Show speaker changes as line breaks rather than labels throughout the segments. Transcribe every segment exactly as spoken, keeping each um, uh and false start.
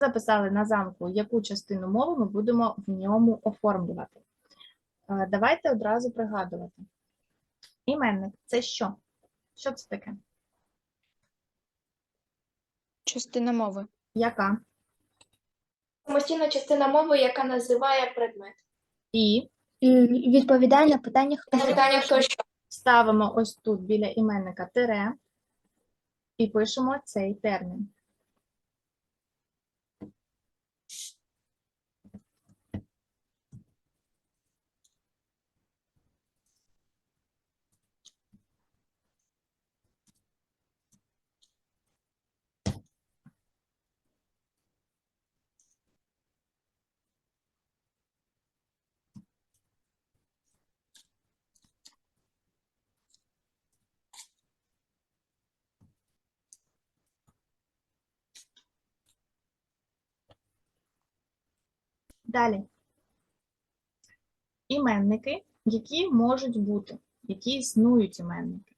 Записали на замку, яку частину мови ми будемо в ньому оформлювати. Давайте одразу пригадувати. Іменник – це що? Що це таке?
Частина мови.
Яка?
Самостійна частина мови, яка називає предмет.
І
Відповідає на питання, хто
На
що.
питання хто що.
ставимо ось тут біля іменника тире і пишемо цей термін. Далі. Іменники, які можуть бути, які існують іменники.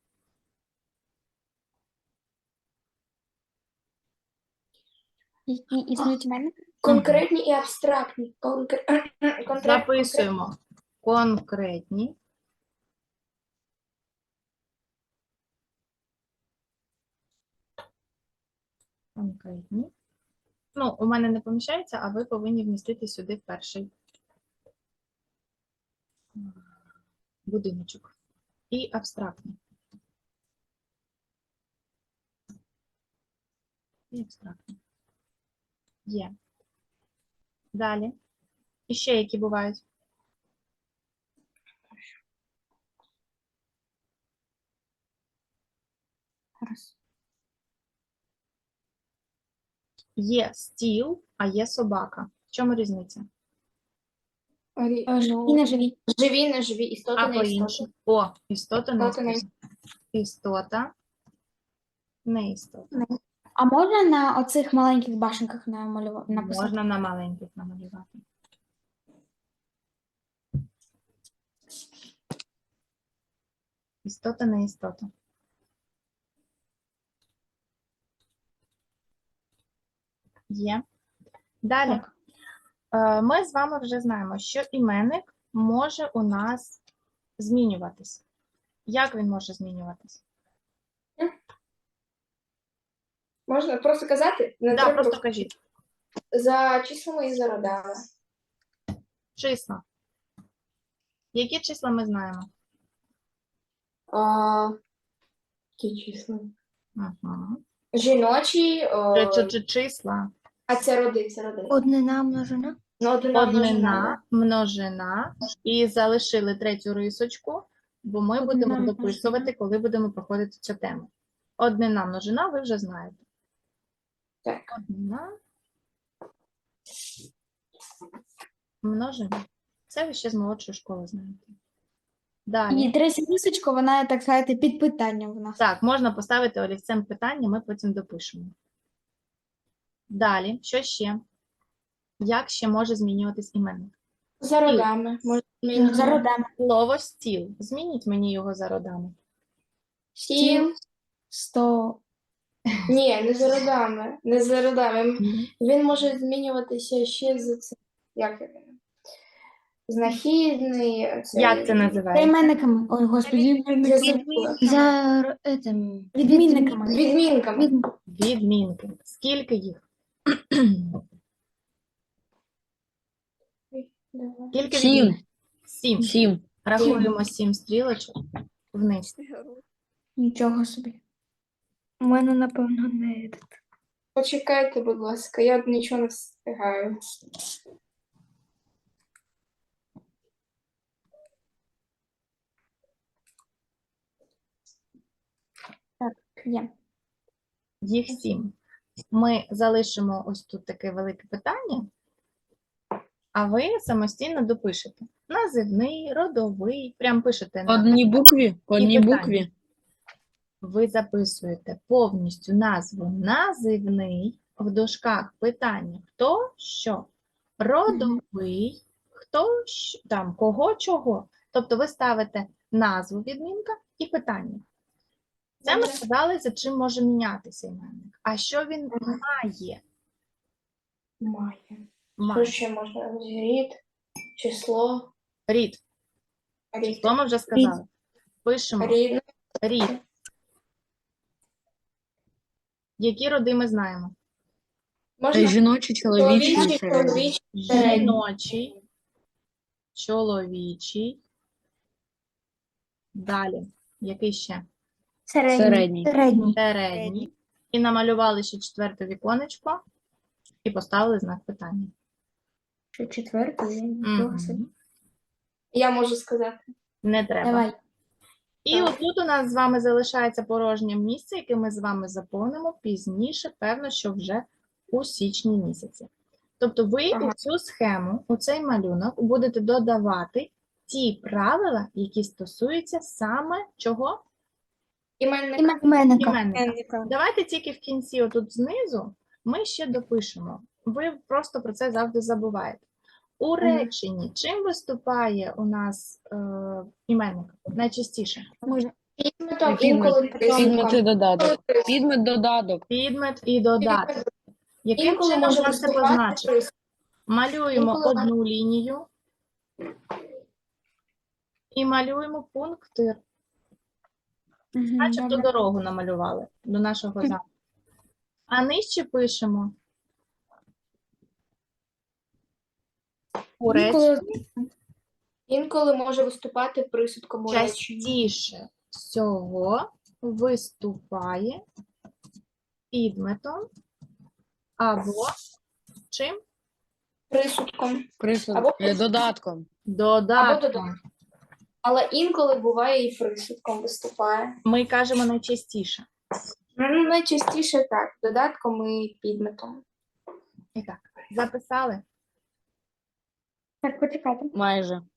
Які існують іменники?
Конкретні і абстрактні. Конкр... конкрет-
Записуємо конкретні, конкретні. Ну, у мене не поміщається, а ви повинні вмістити сюди в перший будиночок. І абстрактні. І абстрактні. Є. Далі. І ще які бувають?
Раз.
Є стіл, а є собака. В чому різниця?
Рі-
Е,
ну,
І не живі.
Живі, не живі, істоти,
А
не
по-іншому?
істоти.
О, істота, не
Істота, не
істота. Істота, не істота.
А можна на оцих маленьких башенках намалювати, написати?
Можна на маленьких намалювати. Істота, не істота. Є. Далі.
Так.
Е, Ми з вами вже знаємо, що іменник може у нас змінюватись. Як він може змінюватись?
Можна просто казати? Не
Так,
треба
просто кажіть.
За числами і за родами.
Числа. Які числа ми знаємо?
А, які числа?
Угу.
Жіночі, о,
Чи, чи числа?
а це роди, це роди.
Однина множина.
Ну, однина, множина,
Однина, множина. І залишили третю рисочку, бо ми
Однина,
будемо
множина.
дописувати, коли будемо проходити цю тему. Однина, множина, ви вже знаєте.
Так.
Однина. Множина. Це ви ще з молодшої школи знаєте. Далі.
І третя рисочка, вона, так сказати, під питанням в нас.
Так, можна поставити олівцем питання, ми потім допишемо. Далі, що ще? Як ще може змінюватись іменник?
За родами. Можна змінити.
За родами.
Слово стіл. Змініть мені його за родами.
Стіл.
Сто.
Ні, не за родами. Не за родами. Він може змінюватися ще за це. Як він? Знахідний. Це...
Як це
За
називається?
іменниками. Ой, господи.
Я забула.
За этим, відмінниками.
Відмінками.
Від-
Відмінки. Скільки їх?
Давай.
Скільки
Сім.
відмінок? Сім.
Сім.
Рахуємо сім стрілочок вниз.
Нічого собі. У мене, напевно, не.
Почекайте, будь ласка, я нічого не встигаю.
Є.
Їх сім. Ми залишимо ось тут таке велике питання, а ви самостійно допишете. Називний, родовий, прям пишете.
По
на-
одній букві? По
І
одній
питання.
букві?
Ви записуєте повністю назву називний, в дужках питання хто, що, родовий, хто, що, там, кого, чого. Тобто ви ставите назву відмінка і питання. Це ми
Добре.
сказали, за чим може мінятися іменник. А що він має?
Має. Що
Має.
ще можна? Рід, число,
Рід.
рід.
То ми вже сказали. Пишемо
Рідне,
рід. Які роди ми знаємо?
можна
Жіночі, чоловічі.
чоловічий,
середні.
чоловічий, середній.
Жіночий, чоловічий. Далі. Який ще?
Середній.
Середній.
Середній.
Середній. І намалювали ще четверте віконечко і поставили знак питання.
Ще четвертий.
Мгм.
Я можу сказати.
Не треба.
Давай.
І
Так.
отут у нас з вами залишається порожнє місце, яке ми з вами заповнимо пізніше, певно, що вже у січні місяці. Тобто ви
Ага.
у цю схему, у цей малюнок будете додавати ті правила, які стосуються саме чого?
Іменник.
Іменника.
Іменника. Давайте тільки в кінці, отут знизу, ми ще допишемо. Ви просто про це завжди забуваєте. У реченні чим виступає у нас е, іменник найчастіше?
Може.
Підметом,
Підмет.
інколи
Підмет і
присудком.
додаток. Підмет додаток.
Підмет і додаток. Яким
Інколи
чином
може
можна це
виступати
позначити?
присудком.
Малюємо
Інколи-
одну лінію і малюємо пунктир.
Мгм,
Начебто
добре.
дорогу намалювали до нашого замку. А нижче пишемо у
Інколи-
реченні
Інколи може виступати присудком у реченні.
частіше всього виступає підметом або чим?
Присудком.
Присуд.
Або
е, Додатком.
Або
Додатком.
додатком. Але інколи буває і присудком виступає.
Ми кажемо найчастіше.
Ну, найчастіше так, додатком і підметом.
І так, записали?
Так, почекайте.
Майже.